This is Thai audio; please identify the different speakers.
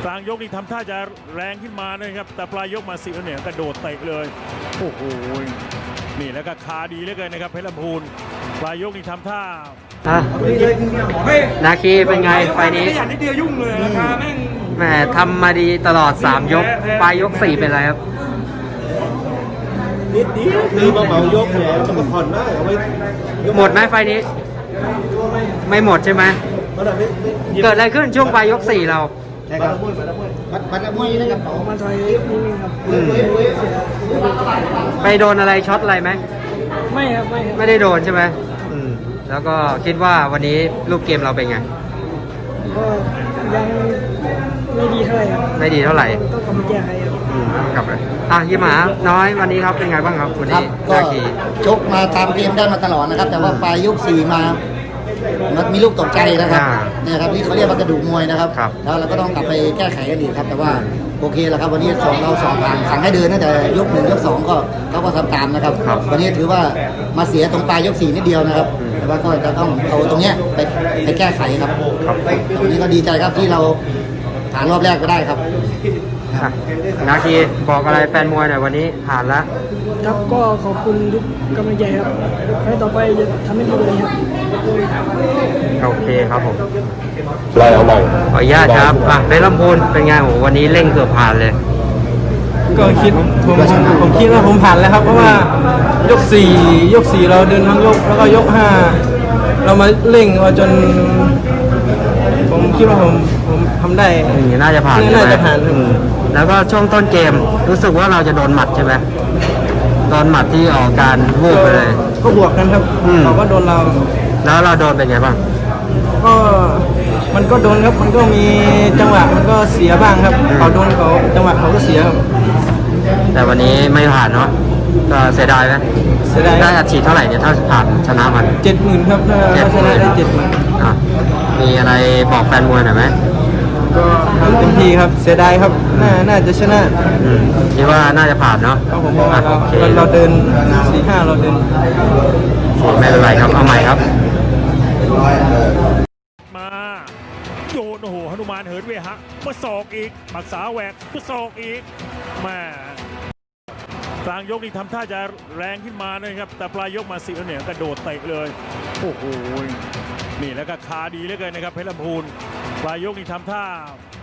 Speaker 1: กลางยกนี่ทำท่าจะแรงขึ้นมานะครับแต่ปลายยกมาสิเนี่ยกระโดดเตะเลยโอ้โหนี่แล้วก็คาดีเหลือเกินนะครับเพชรลำพูนปลายยกนี่ทำท่า
Speaker 2: นาคีเป็นไงไฟนี้
Speaker 3: ขยันนิดเดียวยุ่งเลยราคาแม่ง
Speaker 2: แหมทำมาดีตลอด3ยกปลายยก4เป็นไรครับ
Speaker 4: นิดเดียวคือมาเหมายกแผลจะมาผ่อนได้เอาไว้
Speaker 2: หมดไหมไฟนี้ ไม่หมดใช่ไหมเกิดอะไรขึ้นช่วงปลายยก4เรา
Speaker 4: บัตรมวยนะครับผม
Speaker 3: มาถอยนิดนึงครับ
Speaker 2: ไปโดนอะไรช็อตอะไรไหม
Speaker 3: ไม่ครับไม่ครับ
Speaker 2: ไม่ได้โดนใช่ไหมแล้วก็คิดว่าวันนี้รูปเกมเราเป็นไง
Speaker 3: ก็ยังไม่ดีเท่าไหร่ครับ
Speaker 2: ไม่ดีเท่าไหร่
Speaker 3: ต้องกลับมาแก้ไขครับ
Speaker 2: กลับเลยยี่หมาน้อยวันนี้ครับเป็นไงบ้างครับวัน
Speaker 5: ครั
Speaker 2: นี้
Speaker 5: บก็
Speaker 2: นาคี
Speaker 5: ชกมาตามเกมได้มาตลอดนะครับ แต่ว่าปลายยกสี่มามันมีลูกตกใจนะครับเนี่ยครับที่เขาเรียกว่ากระดูกมวยนะครับแล้วเราก็ต้องกลับไปแก้ไขกันอีกครับ แต่ว่าโอเคแล้วครับวันนี้เราสองผ่านสั่งให้เดินตั้งแต่ยก 1 ยก 2ก็เขาก็ทำตามนะครับ วันนี้ถือว่ามาเสียตรงปลายยก 4นิดเดียวนะครับแต่ว่าก็จะต้องเอาตรงเนี้ยไปแก้ไขครับตรงนี้ก็ดีใจครับที่เราผ่านรอบแรกก็ได้ครับ
Speaker 2: นาคีบอกอะไรแฟนมวยหน่อยวันนี้ผ่านแล้ว
Speaker 3: ครับก็ขอบคุณทุกกำลังใจครับให้ต่อไปจะทำให้ดีกว่านี้ครับ
Speaker 2: โอเคครับผม
Speaker 4: ไล่เอาใหม่
Speaker 2: ขออนุญาตครับในลำพูนเป็นไงโหวันนี้เร่งเกือบผ่านเลย
Speaker 6: ก็คิดผมคิดว่าผมผ่านแล้วครับเพราะว่ายก4เราเดินทั้งยกแล้วก็ยก5เรามาเร่งมาจน ผมคิดว่าผมทำได้
Speaker 2: น่าจะผ่านใช่ไหม
Speaker 6: น่าจะผ่านครับ
Speaker 2: แล้วก็ช่วงต้นเกมรู้สึกว่าเราจะโดนหมัดใช่ไหมโดนหมัดที่ออกการวูบไปเลย
Speaker 6: ก็บวกกันครับเขาก็โดนเรา
Speaker 2: แล้วเราโดนเป็นไงบ้าง
Speaker 6: ก็มันก็โดนครับมันก็มีจังหวะมันก็เสียบ้างครับเขาโดนเขาจังหวะเขาก็เสียครับ
Speaker 2: แต่วันนี้ไม่ผ่านเนาะก็เสียดายไหม
Speaker 6: เสียดาย
Speaker 2: ได้อัดฉีดเท่าไหร่เนี่ยถ้าผ่านชนะมัน
Speaker 6: 70,000ครับถ้าชนะได้70,000
Speaker 2: อ่ะมีอะไรบอกแฟนมวยหน่อยไหม
Speaker 6: ก็ทำเต็มที่ครับเสียดายครับน่าจะชนะ
Speaker 2: คิดว่าน่าจะผ่านเนาะ
Speaker 6: เพราะผมว่า
Speaker 2: อ่ะโอเค
Speaker 6: เราเดิน 4-5เราเดิน
Speaker 2: ไม่เป็นไรครับเอาใหม่ครับ
Speaker 1: มาโยนโอ้โหหนุมานเหินเวหะมาศอกอีกปักษาแหวกมาศอกอีกแม่กลางยกนี่ทำท่าจะแรงขึ้นมานะครับแต่ปลายยกมาสิเนี่ยกระโดดเตะเลยโอ้โหนี่แล้วก็คาดีเหลือเกินนะครับเพชรลำพูนปลายยกนี่ทำท่า